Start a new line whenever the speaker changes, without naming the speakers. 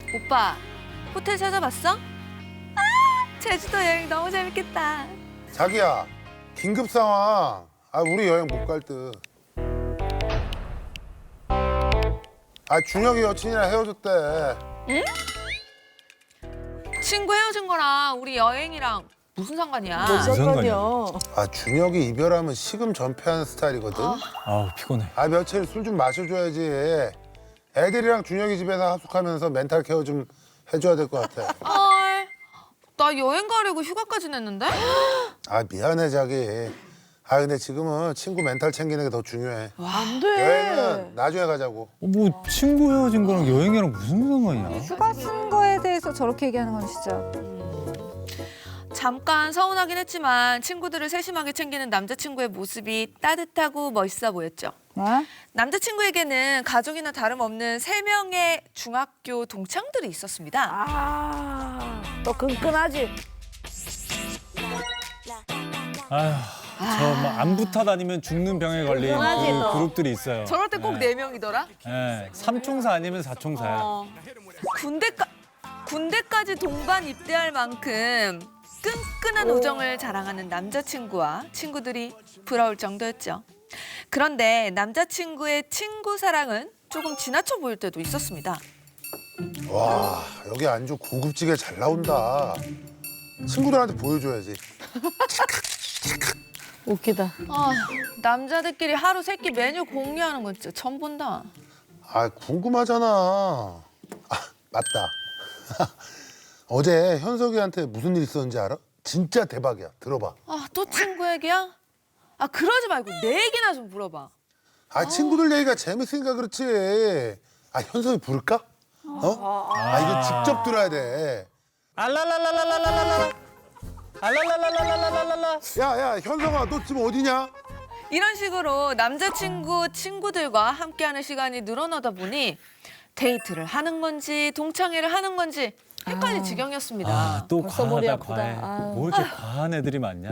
오빠, 호텔 찾아봤어? 제주도 여행 너무 재밌겠다.
자기야, 긴급 상황. 우리 여행 못 갈 듯. 준혁이 여친이랑 헤어졌대.
친구 헤어진 거랑 우리 여행이랑 무슨 상관이야?
무슨 상관이야?
준혁이 이별하면 식음 전폐하는 스타일이거든.
아우 피곤해.
며칠 술 좀 마셔줘야지. 애들이랑 준혁이 집에서 합숙하면서 멘탈 케어 좀 해줘야 될 것 같아.
헐, 나 여행 가려고 휴가까지 냈는데?
미안해 자기. 근데 지금은 친구 멘탈 챙기는 게 더 중요해.
안 돼.
여행은 나중에 가자고.
뭐 친구 헤어진 거랑 여행이랑 무슨 상관이야?
휴가 쓴 거에 대해서 저렇게 얘기하는 건 진짜.
잠깐 서운하긴 했지만 친구들을 세심하게 챙기는 남자친구의 모습이 따뜻하고 멋있어 보였죠.
네?
남자친구에게는 가족이나 다름없는 3명의 중학교 동창들이 있었습니다.
또 끈끈하지.
저 막 안 붙어 다니면 죽는 병에 걸린
그만하지,
그
너.
그룹들이 있어요.
저럴 때 꼭 4명이더라.
네, 삼총사 아니면 사총사야.
군대까지 동반 입대할 만큼 끈끈한 우정을 자랑하는 남자친구와 친구들이 부러울 정도였죠. 그런데 남자친구의 친구 사랑은 조금 지나쳐 보일 때도 있었습니다.
와, 여기 안주 고급지게 잘 나온다. 친구들한테 보여줘야지.
웃기다.
남자들끼리 하루 3끼 메뉴 공유하는 건 진짜 처음 본다.
궁금하잖아. 맞다. 어제 현석이한테 무슨 일 있었는지 알아? 진짜 대박이야. 들어봐.
또 친구 얘기야? 그러지 말고 내 얘기나 좀 물어봐.
친구들 얘기가 재밌으니까 그렇지. 현석이 부를까? 이거 직접 들어야 돼.
알랄랄랄랄랄랄라. 알랄랄랄랄랄랄라.
야, 현석아, 너 지금 어디냐?
이런 식으로 남자친구 친구들과 함께하는 시간이 늘어나다 보니 데이트를 하는 건지 동창회를 하는 건지 헷갈릴 지경이었습니다.
또
벌써 머리
과하다
아프다.
과해.
아유.
뭐 이렇게 과한 애들이 많냐?